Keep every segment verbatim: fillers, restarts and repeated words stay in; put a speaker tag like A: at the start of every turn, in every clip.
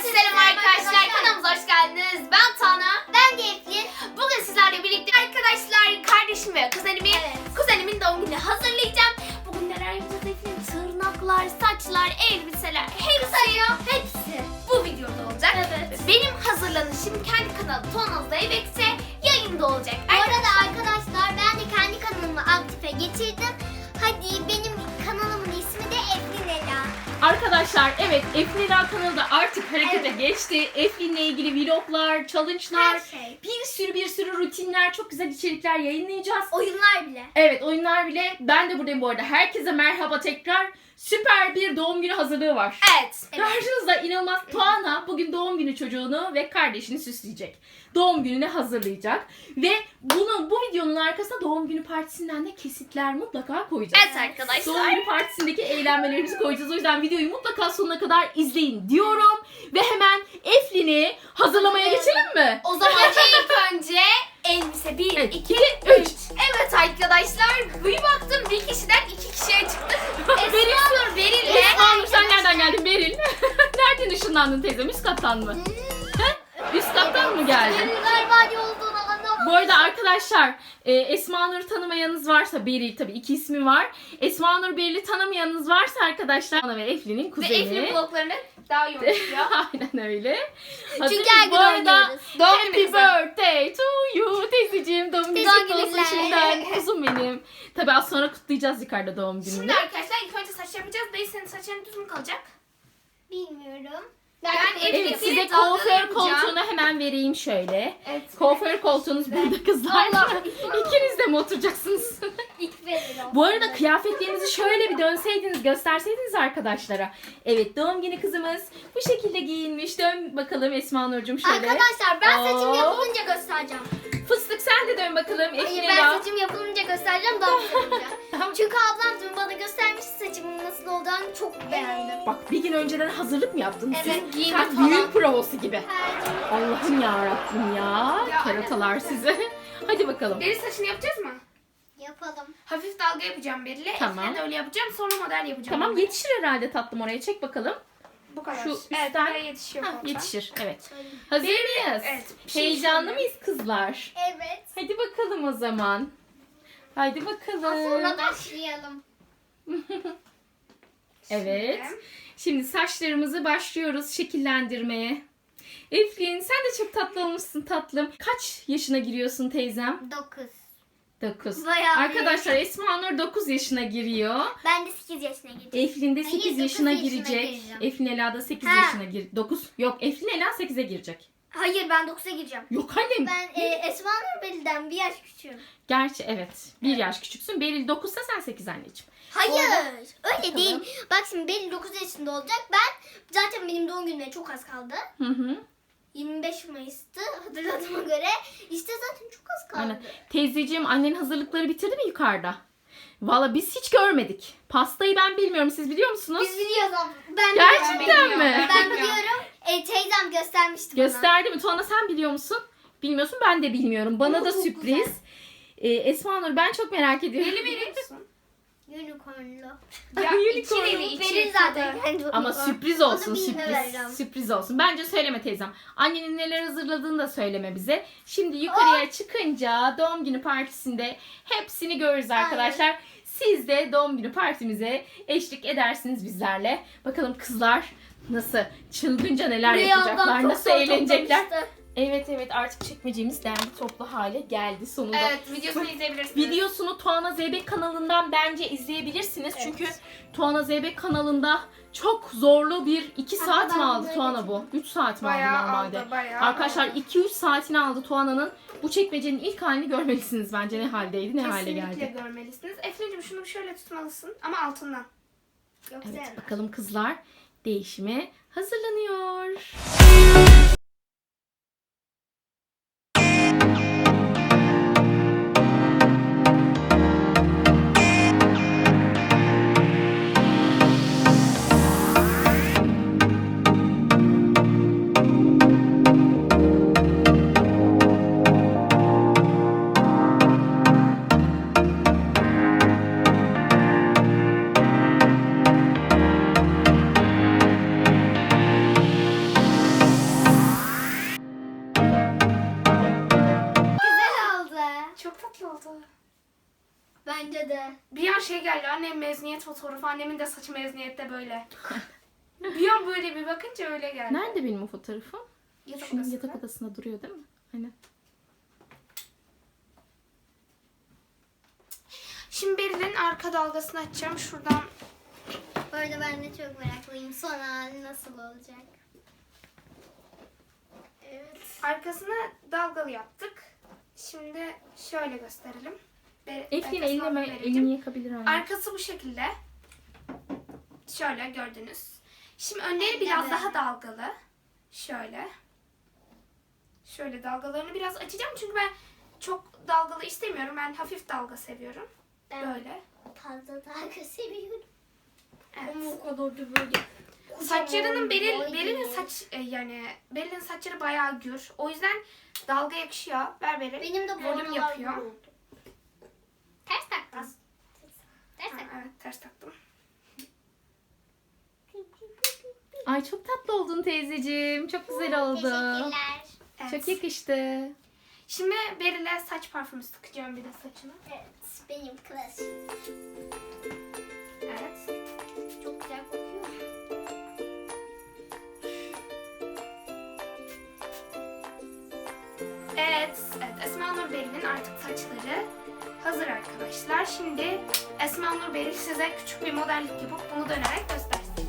A: Selam arkadaşlar, kanalımıza hoş geldiniz. Ben Tana.
B: Ben de Eflin.
A: Bugün sizlerle birlikte arkadaşlar kardeşim ve kuzenimi,
B: Evet.
A: kuzenimin doğum gününü hazırlayacağım. Bugün neler yapacağız Eflin? Tırnaklar, saçlar, elbiseler, hepsi, hepsi bu videoda olacak.
B: Evet.
A: Benim hazırlanışım kendi kanalım Tonaz'da Evekse yayında olacak.
B: Bu arada arkadaşlar ben de kendi kanalımı aktife getirdim. Hadi benim kanalımın ismi de Eflin Ela.
C: Arkadaşlar evet Eflin Ela kanalı da artık harekete
B: Evet.
C: geçti. Eflin'le ilgili vloglar, challenge'lar,
B: Her şey.
C: bir sürü bir sürü rutinler, çok güzel içerikler yayınlayacağız.
B: Oyunlar bile.
C: Evet oyunlar bile. Ben de buradayım bu arada. Herkese merhaba tekrar. Süper bir doğum günü hazırlığı var.
A: Evet.
C: Karşınızda inanılmaz Tuana bugün doğum günü çocuğunu ve kardeşini süsleyecek. Doğum gününe hazırlayacak. Ve bunu bu videonun arkasına doğum günü partisinden de kesitler mutlaka koyacağız.
A: Evet arkadaşlar.
C: Doğum günü partisindeki eğlenmelerimizi koyacağız. O yüzden videoyu mutlaka sonuna kadar izleyin diyorum. Ve hemen Eflin'i hazırlamaya geçelim mi?
A: O zaman ilk önce elbise bir,
C: Evet,
A: iki,
C: iki, üç.
A: Evet arkadaşlar bir baktım bir kişiden iki kişiye çıktı. Esma Beril'le.
C: Esma Nur sen nereden geldin Beril? Nereden ışınlandın teyzem? Üst kattan mı? He? Üst kattan mı geldin?
B: Galiba ne olduğunu anlamadım.
C: Bu arada arkadaşlar e, Esma Nur'u tanımayanınız varsa Beril tabii iki ismi var. Esma Nur Beril'i tanımayanınız varsa arkadaşlar Ana ve Eflin'in
A: Ve
C: kuzeni.
A: Eflin bloklarını daha iyi oynuyor.
C: Aynen öyle. Hazır
B: Çünkü
C: mıyız?
B: her gün
C: Bu arada
B: oynuyoruz.
A: Doğum
C: Happy
A: günümüzde.
C: birthday to you teyzeciğim. Doğum günü
B: Doğum
C: kutlu olsun
B: günler.
C: şimdiden. Kuzum benim. Tabii az sonra kutlayacağız yukarıda doğum gününü.
A: Şimdi arkadaşlar ilk önce saç yapacağız. Dayı senin saçların düz mü kalacak?
B: Bilmiyorum.
A: Ben
C: Evet
A: Eflin'in
C: size
A: dalgalı
C: kuaför
A: yapacağım.
C: koltuğunu hemen vereyim şöyle.
A: Evet.
C: Kuaför koltuğunuz burada kızlar.
B: Allah.
C: İkiniz de mi oturacaksınız?
B: İlk verelim.
C: Bu arada kıyafetlerinizi şöyle bir dönseydiniz, gösterseydiniz arkadaşlara. Evet doğum günü kızımız bu şekilde giyinmiş. Dön bakalım Esma Nurcuğum şöyle.
B: Arkadaşlar ben saçım
C: Oo.
B: yapılınca göstereceğim.
C: Fıstık sen de dön bakalım.
B: Hayır
C: Eflin
B: ben
C: Ela.
B: saçım yapılınca göstereceğim daha güzel olacak.
C: Tamam.
B: Çünkü ablam dün bana göstermiş saçımın nasıl olacağını çok beğendim.
C: Bak bir gün önceden hazırlık mı yaptınız?
B: Evet,
C: Siz
A: giyimi
C: sanki
A: falan.
C: düğün provası gibi.
B: Evet.
C: Allah'ım yarabbim ya.
A: Ya,
C: Keratalar
A: evet.
C: size. Hadi bakalım.
A: Beril saçını yapacağız mı?
B: Yapalım.
A: Hafif dalga yapacağım Beril'e.
C: Tamam.
A: Eflin'e de öyle yapacağım. Sonra model yapacağım.
C: Tamam yetişir herhalde tatlım oraya. Çek bakalım.
A: Bu kadar.
C: Şu
A: evet,
C: üstten-
A: buraya yetişiyor.
C: Hah,
A: koltuğa.
C: yetişir. Evet. Hazır
A: Beril'e-
C: mıyız?
A: evet, bir şey
C: Heyecanlı
A: söyleyeyim.
C: mıyız kızlar?
B: Evet.
C: Hadi bakalım o zaman. Hadi bakalım.
B: Sonra başlayalım.
C: Evet.
A: Şimdi.
C: Şimdi saçlarımızı başlıyoruz şekillendirmeye. Eflin sen de çok tatlı olmuşsun tatlım. Kaç yaşına giriyorsun teyzem?
B: dokuz.
C: dokuz.
B: Bayağı
C: Arkadaşlar Esma Nur dokuz yaşına giriyor.
B: Ben de sekiz yaşına gireceğim.
C: Eflin de
B: Hayır,
C: sekiz
B: dokuz
C: yaşına
B: yaşına
C: girecek.
B: gireceğim.
C: Eflin Ela da sekiz
B: Ha.
C: yaşına gir. dokuz. Yok Eflin Ela sekize girecek.
B: Hayır ben dokuza gireceğim.
C: Yok annem.
B: Ben e, Esma Nur Beli'den bir yaş küçüğüm.
C: Gerçi evet. Bir yaş küçüksün. Beril dokuzsa sen sekiz anneciğim.
B: Hayır
C: Orada-
B: öyle
C: Bakalım.
B: değil. Bak şimdi Beli dokuz yaşında olacak. Ben zaten benim doğum günüme çok az kaldı.
C: Hı hı.
B: yirmi beş Mayıs'tı hatırladığıma göre. İşte zaten çok az kaldı.
C: Aynen. Teyzeciğim annenin hazırlıkları bitirdi mi yukarıda? Valla biz hiç görmedik. Pastayı ben bilmiyorum. Siz biliyor musunuz?
B: Biz biliyoruz abla. Ben
C: Gerçekten
B: biliyorum.
C: mi?
B: Ben biliyorum. E, teyzem göstermişti bana.
C: Gösterdi mi? Tuana sen biliyor musun? Bilmiyorsun ben de bilmiyorum. Bana
B: Oo,
C: da
B: çok
C: sürpriz.
B: güzel.
C: Ee, Esma Nur ben çok merak ediyorum.
A: Beril veriyor musun?
B: Unicornlu.
A: Ya
C: Unicorn.
A: içi veri içi.
B: Verin zaten. kendi
C: Ama
B: unicorn.
C: sürpriz olsun.
B: Onu bilmiyorum.
C: Sürpriz. Sürpriz olsun. Bence söyleme teyzem. Annenin neler hazırladığını da söyleme bize. Şimdi yukarıya çıkınca doğum günü partisinde hepsini görürüz arkadaşlar. Siz de doğum günü partimize eşlik edersiniz bizlerle. Bakalım kızlar nasıl çılgınca neler
B: Buraya ablam
C: yapacaklar,
B: çok
C: nasıl
B: zor
C: eğlenecekler.
B: toplamıştı.
C: Evet evet artık çekmeceğimiz derli toplu hale geldi sonunda.
A: Evet videosunu izleyebilirsiniz.
C: Videosunu Tuana Zeybek kanalından bence izleyebilirsiniz. Çünkü Tuana Zeybek kanalında çok zorlu bir iki
B: Hatta
C: saat mi
B: ben
C: aldı
B: bunu
C: Tuana bu? üç saat mi aldı
A: Bayağı
C: normalde?
A: aldı, bayağı
C: Arkadaşlar
A: aldı.
C: iki üç saatini aldı Tuana'nın. Bu çekmecenin ilk halini görmelisiniz bence ne haldeydi ne hale
A: Kesinlikle
C: geldi.
A: görmelisiniz. Eflin'cim şunu şöyle tutmalısın ama altından.
B: Yoksa
C: Evet bakalım kızlar değişime hazırlanıyor.
A: oldu.
B: Bence de.
A: Bir an şey geldi, annem mezuniyet fotoğrafı, annemin de saçı mezuniyette böyle. Bir an böyle bir bakınca öyle geldi.
C: Nerede benim o fotoğrafım?
A: Yatak
C: Şunun
A: odasında.
C: yatak odasında duruyor değil mi? Aynen.
A: Şimdi Beril'in arka dalgasını açacağım. Şuradan
B: Bu arada ben de çok meraklıyım. Son hali nasıl olacak? Evet.
A: arkasını dalgalı yaptık. Şimdi şöyle gösterelim. Be-
C: Eflin
A: arkasını
C: eline
A: alıp
C: mi-
A: vereceğim.
C: elini yakabilir anne.
A: Arkası bu şekilde. Şöyle gördünüz. Şimdi önleri biraz
B: Evet.
A: daha dalgalı. Şöyle. Şöyle dalgalarını biraz açacağım çünkü ben çok dalgalı istemiyorum. Ben hafif dalga seviyorum.
B: Ben
A: Böyle.
B: fazla dalga seviyorum.
A: Evet.
B: Ama o kadar da böyle.
A: Saçlarının Beril,
B: Boy
A: Beril'in
B: değil.
A: saç e, yani Beril'in saçları bayağı gür. O yüzden dalga yakışıyor. Ver Beril.
B: Benim de
A: Volüm
B: boyum
A: yapıyor.
B: yapıyor. Ters taktın. Ters
A: Ha,
B: taktın.
A: evet ters taktım.
C: Ay çok tatlı oldun teyzeciğim. Çok güzel oldu.
B: Teşekkürler.
A: Evet.
C: Çok yakıştı.
A: Şimdi Beril'e saç parfümü sıkacağım bir de saçına.
B: Evet, benim klasik.
A: Evet.
B: Çok güzel kokuyor.
A: Evet, evet. Esma Nur Beril'in artık saçları hazır arkadaşlar. Şimdi Esma Nur Beril size küçük bir modellik yapıp bunu dönerek göstersin.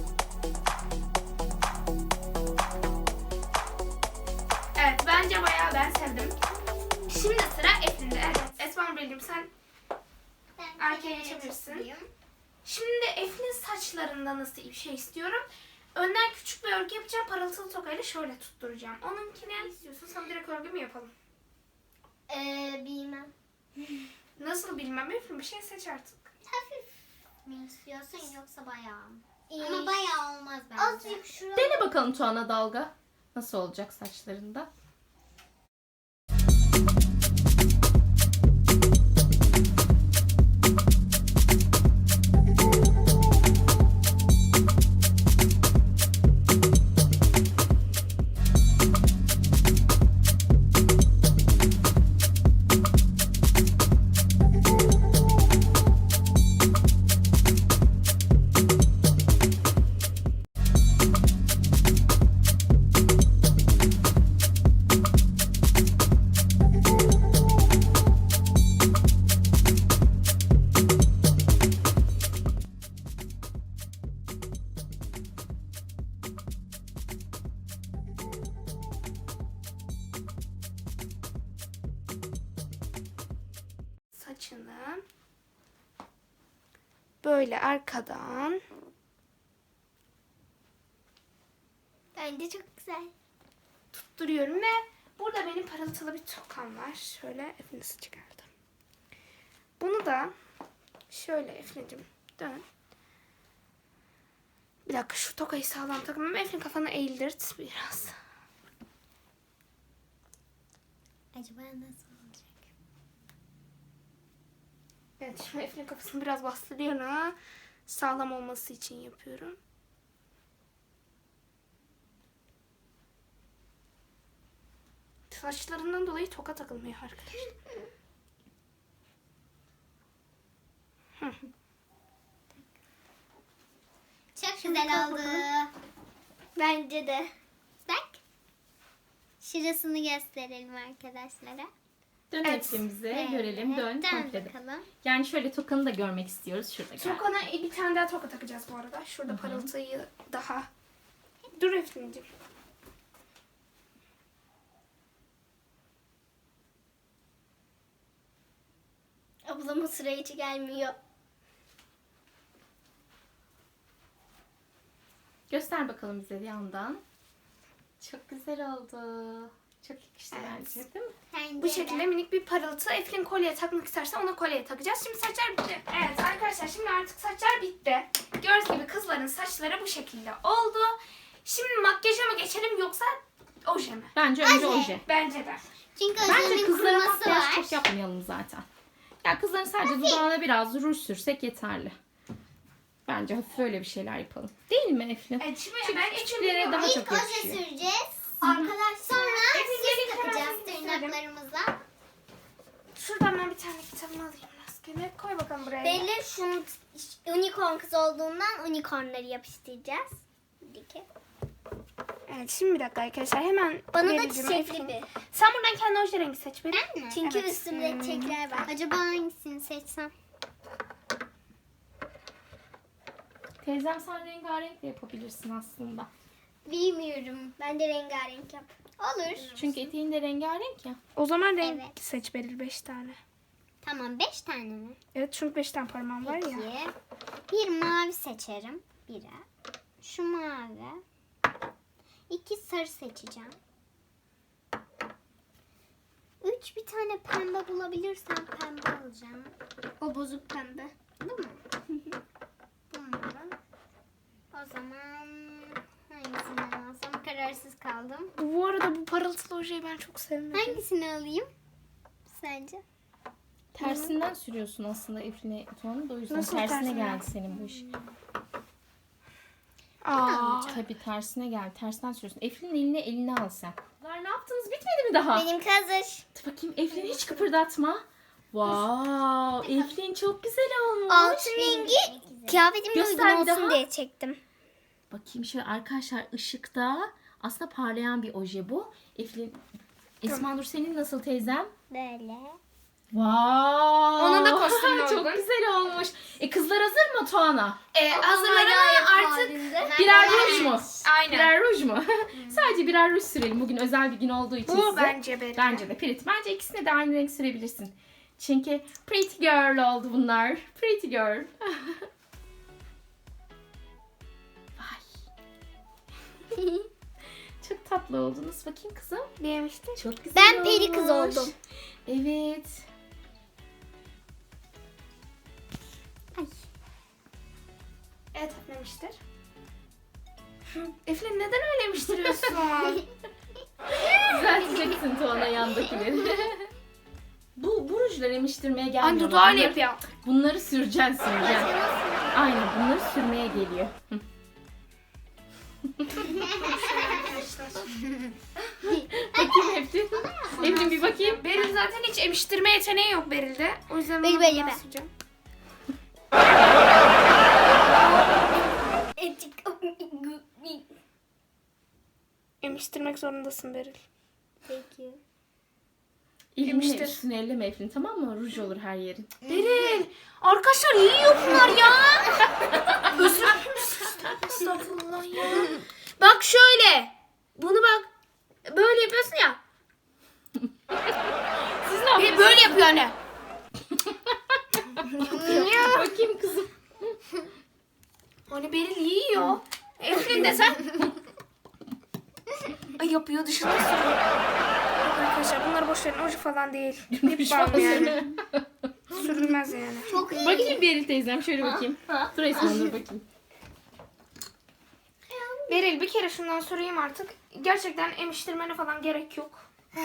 A: Evet, bence bayağı ben sevdim. Şimdi sıra Eflin'de. Evet, Esma Nur Beril'im sen
B: Ben
A: Arkaya
B: kenara
A: geçebilirsin.
B: toplayayım.
A: Şimdi Eflin saçlarında nasıl bir şey istiyorum? Önden küçük bir örgü yapacağım. Parıltılı tokayla şöyle tutturacağım. Onunkine ne istiyorsun? Sana direkt örgü mü yapalım?
B: Ee, bilmem.
A: Nasıl bilmem. Eflin bir şey seç artık.
B: Hafif mi istiyorsun yoksa bayağı mı? Ama bayağı olmaz bence. Azıcık şuraya.
C: Dene bakalım Tuana dalga. Nasıl olacak saçlarında?
A: Saçını böyle arkadan
B: Bence çok güzel.
A: tutturuyorum ve burada benim parıltılı bir tokam var. Şöyle Eflin'i çıkardım. Bunu da şöyle Eflin'cim dön. Bir dakika şu tokayı sağlam takmam. Eflin kafanı eğildirt biraz.
B: Acaba nasıl olacak?
A: Evet şimdi Eflin kafasını biraz bastırıyorum. Sağlam olması için yapıyorum. Saçlarından dolayı toka takılmıyor arkadaşlar.
B: Çok güzel oldu. Bence de. Bak. Şurasını gösterelim arkadaşlara.
C: Dön
A: Evet.
C: Eflin'imize
B: Evet,
C: görelim. Dön
B: dön
C: komple de.
B: bakalım.
C: Yani şöyle tokanı da görmek istiyoruz. Şurada gel.
A: Tokana bir tane daha toka takacağız bu arada. Şurada parıltıyı daha. Dur Eflin'cim.
B: Ablamın sıra hiç gelmiyor.
C: Göster bakalım bize bir yandan. Çok güzel oldu. Çok yakıştı
A: Evet.
C: bence değil mi?
B: Bence
A: Bu
B: de.
A: şekilde minik bir parıltı. Eflin kolye takmak isterse ona kolye takacağız. Şimdi saçlar bitti. Evet arkadaşlar şimdi artık saçlar bitti. Gördüğünüz gibi kızların saçları bu şekilde oldu. Şimdi makyaja mı geçelim yoksa oje mi?
C: Bence önce
B: Oje.
C: oje.
A: Bence de.
B: Çünkü
C: Bence
B: özelliğin
C: kızlara
B: kuruması
C: makyaj
B: var.
C: çok yapmayalım zaten. Ya kızların sadece dudağına biraz ruj sürsek yeterli. Bence hafif öyle bir şeyler yapalım. Değil mi Eflin?
A: Evet şimdi
C: Çünkü
A: ben
C: küçüklere
A: içim
C: daha
A: daha...
C: çok
B: İlk oje
C: yakışıyor.
B: süreceğiz. Arkadaşlar sonra
A: Hepimize
B: süs
A: bir
B: takacağız
A: karar verelim.
B: tırnaklarımıza.
A: Şuradan ben bir tane kitabımı alayım rastgele. Koy bakalım buraya.
B: Belli şunu unicorn kız olduğundan unicornları yapıştıracağız. Dike.
A: Evet şimdi bir dakika arkadaşlar hemen
B: Bana da
A: vereceğim
B: çiçekli
A: Eflin.
B: bir.
A: Sen buradan kendi oje rengi seç benim.
B: Ben mi? Çünkü
A: Evet.
B: üstümde
A: Hmm.
B: çiçekler var. Acaba hangisini seçsem?
C: Teyzem sen rengarenk de yapabilirsin aslında.
B: Bilmiyorum. Ben de rengarenk yap. Olur.
C: Çünkü eteğin de rengarenk ya.
A: O zaman renk
B: Evet.
A: seç Beril beş tane.
B: Tamam beş tane mi?
A: Evet çünkü beş tane parmağım var ya.
B: Peki. Bir mavi seçerim. Biri. Şu mavi. İki sarı seçeceğim. Üç bir tane pembe bulabilirsem pembe alacağım. O bozuk pembe. Değil mi? Bu mu? O zaman hangisini alsam kararsız kaldım.
A: Bu arada bu parıltılı ojeyi ben çok sevmedim.
B: Hangisini alayım? Sence?
C: Tersinden sürüyorsun aslında Eflin'e Tuğan'ı da o yüzden
A: Nasıl
C: tersine
A: tersinden?
C: geldi senin bu iş.
A: Aa.
C: Tabii tersine geldi. Tersten sürüyorsun. Eflin'in eline eline al sen. Bunlar ne yaptınız? Bitmedi mi daha?
B: Benim hazır.
C: Dur bakayım Eflin'i hiç kıpırdatma. Wow, Eflin çok güzel olmuş.
B: Altın rengi kıyafetimle
C: Göster
B: uygun
C: bir
B: olsun
C: daha.
B: diye çektim.
C: Bakayım şöyle arkadaşlar ışıkta aslında parlayan bir oje bu. Eflin, Esma Nur senin nasıl teyzem?
B: Böyle.
C: Wow.
A: Onun da kostümü
C: Çok
A: uygun.
C: güzel olmuş. E kızlar hazır mı Tuana?
A: Ee, hazırlar ama artık
C: Birer ruj mu?
A: aynen.
C: Birer ruj mu? Sadece birer ruj sürelim. Bugün özel bir gün olduğu için
A: Bu
C: size.
A: bence Beril.
C: Bence de Pirit. Bence ikisine de aynı renk sürebilirsin. Çünkü pretty girl oldu bunlar. Pretty girl. Vay. Çok tatlı oldunuz. Bakayım kızım.
A: Beğenmiştin.
C: Çok güzel
B: Ben peri kız
C: olmuş.
B: oldum.
C: Evet.
A: Evet öflemiştir. Eflin neden öylemiştiriyorsun?
C: Düzelteceksin Tuana yandakileri. bu, bu rujlar emiştirmeye gelmiyor.
A: Anne dudağıyla
C: Bunları-
A: yapıyor.
C: Bunları süreceksin süreceksin. Aynen bunları sürmeye geliyor. Hı. Bakayım Eflin. Eflin bir bakayım.
A: Beril zaten hiç emiştirme yeteneği yok Beril'de. O yüzden
B: Beril,
A: onu
B: Beril,
A: ben
B: ben.
A: süreceğim. Emiştirmek zorundasın Beril.
B: Peki.
C: Elinle
A: Emiştir.
C: üstüne elleme Eflin, tamam mı? Ruj olur her yerin.
A: Beril! Arkadaşlar yiyor bunlar ya. Özür dilerim. Estağfurullah ya. Bak şöyle. Bunu bak. Böyle yapıyorsun ya.
C: Siz ne
A: Bir
C: yapıyorsunuz?
A: böyle yapıyor anne.
C: Bakayım kızım.
A: Hani Beril yiyor. Eflin de sen. Ay yapıyor dışında sürüyor. Yok arkadaşlar bunlar boş verin. Oje falan değil. Lip balm yani. Sürülmez yani.
B: Çok iyi.
C: Bakayım Beril teyzem, şöyle bakayım. Dur Esma dur bakayım.
A: Beril bir kere şundan süreyim artık. Gerçekten emiştirmene falan gerek yok.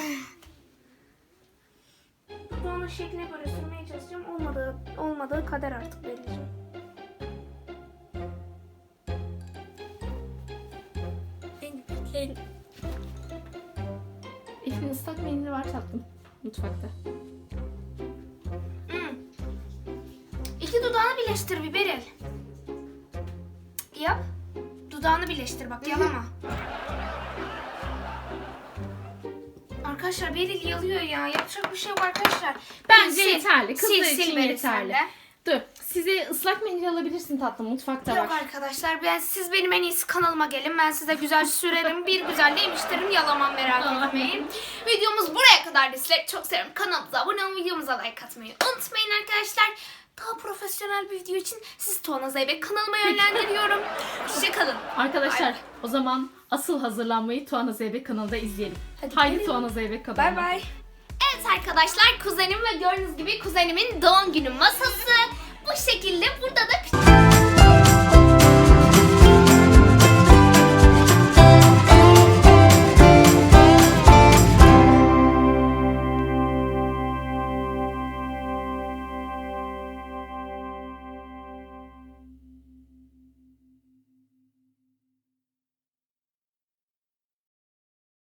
A: Dudağının şekline göre sürmeye çalışacağım. Olmadığı, olmadığı kader artık Beril'ciğim.
C: Eflin ıslak mendili var tatlım. Mutfakta.
A: Hmm. İki dudağını birleştir bir Beril. Yap. Dudağını birleştir bak yalama. Arkadaşlar Beril yalıyor ya. Yapacak bir şey yok arkadaşlar.
C: Bence
A: Sil.
C: yeterli. Kızlar
A: Sil,
C: için
A: sil Beril
C: yeterli.
A: sen de.
C: Dur. Size ıslak mendil alabilirsin tatlım. Mutfakta
A: Yok
C: var.
A: arkadaşlar ben siz benim en iyisi kanalıma gelin. Ben size güzel sürerim. Bir güzel demiştirim. Yalamam merak etmeyin. Videomuz buraya kadar. Sizleri çok seviyorum. Kanalımıza abone olmayı, videomuza like atmayı unutmayın arkadaşlar. Daha profesyonel bir video için sizi Tuana Zeybek kanalıma yönlendiriyorum. Hoşçakalın.
C: Arkadaşlar
A: Bay
C: o zaman asıl hazırlanmayı Tuana Zeybek kanalında izleyelim.
A: Hadi
C: Haydi
A: gelin.
C: Tuana Zeybek kanalına.
A: Bay bay. Evet arkadaşlar kuzenim ve gördüğünüz gibi kuzenimin doğum günü masası. Bu şekilde burada da küçük